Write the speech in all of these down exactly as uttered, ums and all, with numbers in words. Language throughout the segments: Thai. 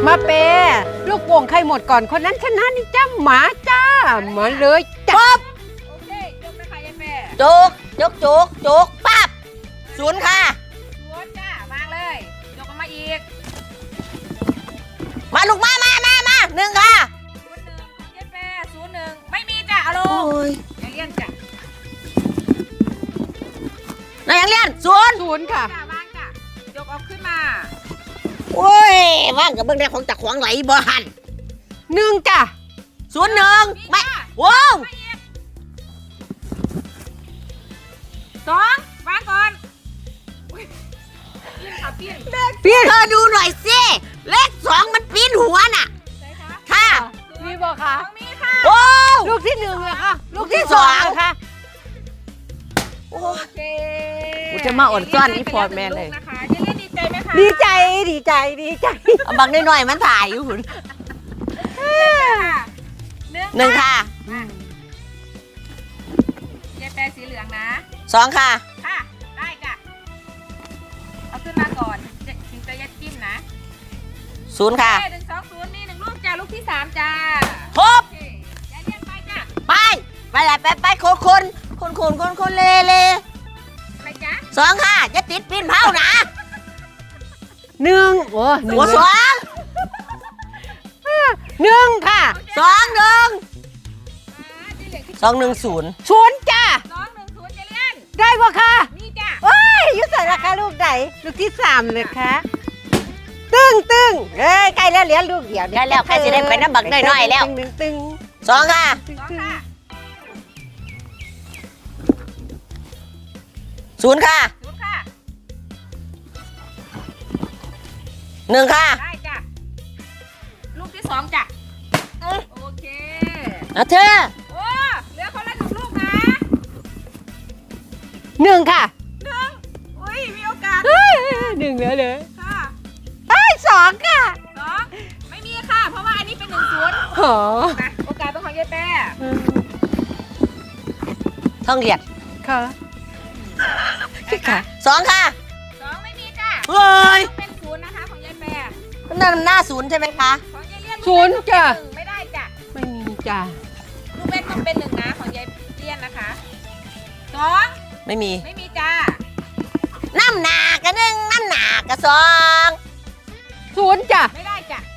มาเปลูกโป่งใครหมดก่อนคนนั้นชนะนี่จ้าหมาจ้ามาเลยจ้าโอเคยกนะคะยายแม่จุกจุกจุกจุกปั๊บศูนย์ค่ะศูนย์จ้าวางเลยยกออกมาอีกมาลูกมามามามาหนึ่งค่ะศูนย์หนึ่งของยายแม่ศูนย์หนึ่งไม่มีจ้ะเอาลโอ้งยอย่าเลี่ยนจ้ะนายยังเรียนศูนย์ศูนย์ค่ะจ้าวางจ้ะยกออกขึ้นมาโอ้ยว่างกับเบื้องแรกของจากขวางไหลบ่หันหนึ่งจ้าศูนย์หนึ่งมีไม่จ้ะว้าวไม่อีกสองวางก่อนอุ๊ยปิ้นค่ะปิ้นเปลี่ยนเธอดูหน่อยสิเลขสองมันปีนหัวน่ะใช่คะค่ะมีบอกค่ะสองมีค่ะโอ้ลูกที่หนึ่งเหรอคะลูกที่สองเหรค่ะโอ้โอเคกูจะมาอดซ่อนอีพอร์ตแมนเลยนะคะเจเลี่ยนดีใจไหมคะดีใจดีใจดีใจเอาบังน้อยๆมันถ่ายอยู่หุ่นค่ะหนึ่งหนึ่งค่ะยายแปรสีเหลืองนะสองค่ะค่ะได้จ้ะเอาขึ้นมาก่อนจะถึงจะยัดจิ้มนะศูนย์ค่ะหนึ่งสองศูนย์นี่หนึ่งลูกจ้าลูกที่สามจ้าครบโอเคยายเลี่ยนไปจ้ะไปไปไหนไปไปคนคนคนคนคนคนเลเลไปจ้ะสองค่ะจะติดปีนเผานะหนึ่งโอ้หนึ่งหัวสองหนึ่งค่ะสองหนึ่งอ่าที่เหลือคือสองหนึ่งศูนย์ศูนย์จ้าสองหนึ่งศูนย์ยายเลี่ยนได้ปะคะนี่จ้ะโอ้ยอยุใส่ราคาลูกไหนลูกที่สามเลยคะตึ้งตึ้งเอ้ยใกล้แล้วเหลือลูกเดียวได้แล้วใครจะได้ไปน้ำบักน้อยๆแล้วตึ้งตึ้งตึ้งสองค่ะตึ้งสองตึ้งค่ะศูนย์ค่ะศูนย์ค่ะหนึ่งค่ะได้จ้ะลูกที่สองจ้ะโอเคเอาเธอโอ้เหลือคนละหนึ่งลูกนะหนึ่งค่ะหนึ่งอุ้ยมีโอกาสเฮ้ยหนึ่งเหลือเลยค่ะไอ้ยสองค่ะสองไม่มีค่ะ เพราะว่าอันนี้เป็นหนึ่งศูนย์หอนะโอกาสเป็นของยายแป้ท่องเรียนค่ะได้ค่ะสองค่ะสองไม่มีจ้ะเฮ้ยเป็นศูนย์นะคะของยายแป้นั่นหน้าศูนย์ใช่ไหมคะของยายเลี่ยนศูนย์จ้ะหนึ่งไม่ได้จ้ะไม่มีจ้ะลูกเว้นต้องเป็นหนึ่งนะของยายเลี่ยนนะคะสองไม่มีไม่มีจ้าน้ำหนากระหนึ่งน้ำหนากระสองศูนย์จ้ะไม่ได้จ้ะ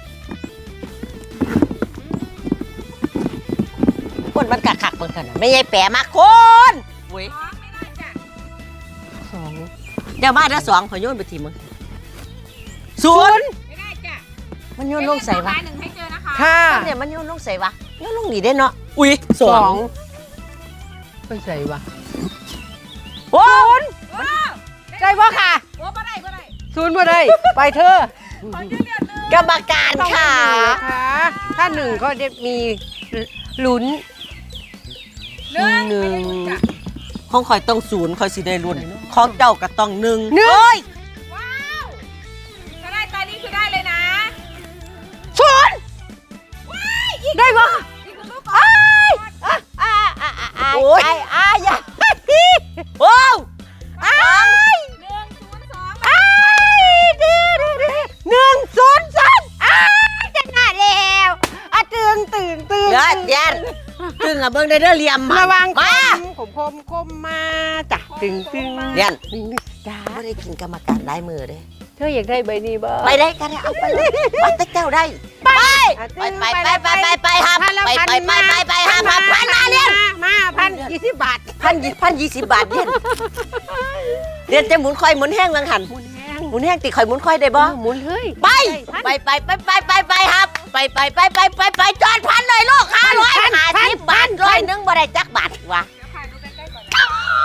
คนมันกักขักเหมือนกันนะไม่ใช่แปะมาคนเว้ยสองไม่ได้จ้ะสองเดี๋ยวมาเดี๋ยวสองขอโยนไปทีมึงศูนย์ไม่ได้จ้ะมันโยนลงใส่วะยายเลี่ยนต้องหาหนึ่งให้เจอนะคะค่ะเนี่ยมันโยนลงใส่วะโยนลงหนีได้เนาะอุ้ยสสออง งไปใส่วะโอ้ยโอ้ได้ปะค่ะโอ้บ่ได้บ่ได้ศูนย์บ่ได้ไปเธอของยายเลี่ยนหนึ่งกรรมการค่ะค่ะถ้าหนึ่งก็จะมีลุ้นหนึ่งหนึ่งไม่ได้ลุ้นจ้ะของคอยต้องศูนย์คอยสิได้รุ่นของเจ้าก็ต้องหนึ่งหนึ่งเฮ้ยว้าวถ้าได้ตอนนี้คือได้เลยนะศูนย์ได้ปะอีกหนึ่งลูกก่อนอ่ะอ่ะอ่ะอ่ะอ่ะโอ้ยไอ้อ่ะอย่าโอ้วอ้ายหนึ่งศูนย์สองอ้ายดื้อดื้อดื้อหนึ่งศูนย์สองอ้ายชนะแล้วอ่ะตื่นตื่นตื่นเดี๋ยวเดี๋ยวตึงอ่ะเบิ้งได้เด้อเหลี่ยมระวังมาคมคมคมมาจ้ะตึงตึงเรียนตึงจ้าไม่ได้กินกรรมการได้มือเด้เธออยากได้ใบนี้บ่ไปได้กันเอาไปเลยไปแต่เจ้าได้ไปอ่ะไปตึงไปไปไปไปไปครับพันละไปพันไปไปมาไปไปห้าพันพันมาเรียนมาพันยี่สิบบาทพันยี่พันยี่สิบบาทเรียนเรียนจะหมุนคอยหมุนแห้งลังหันหมุนแห้งหมุนแห้งติคอยหมุนคอยได้บ่หมุนเฮ้ยไปไปไปไปไปไปไปครับ ไปไปไปไปไปไปจอดพันเลยลูกห้าร้อยห้าสิบบาทร้อยหนึงบ่ได้จักบาทวะเดี๋ยวถ่ายดูใกล้ๆก่อนนะ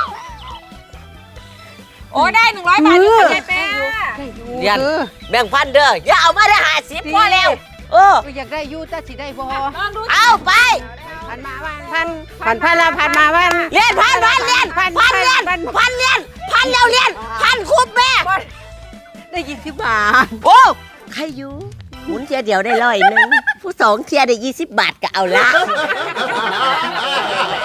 โอ้ได้หนึ่งร้อยบาทอยู่ค่ะยายแป้เรียนแบ่งพันเด้ออย่าเอามาได้ห้าสิบพอแล้วเอออยากได้ยูแต่สิได้บ่ลองดูเอาไปพันมาวันพันพันพันละพันมาวันเรียนพันพันเรียนพันเรียนพันเรียนพันแล้วเรียนพันคุบแม่ได้ยี่สิบบาทโอ้ใครอยู่หมุนเทียเดียวได้ร้อยหนึงผู้สองเทียได้ยี่สิบบาทก็เอาละ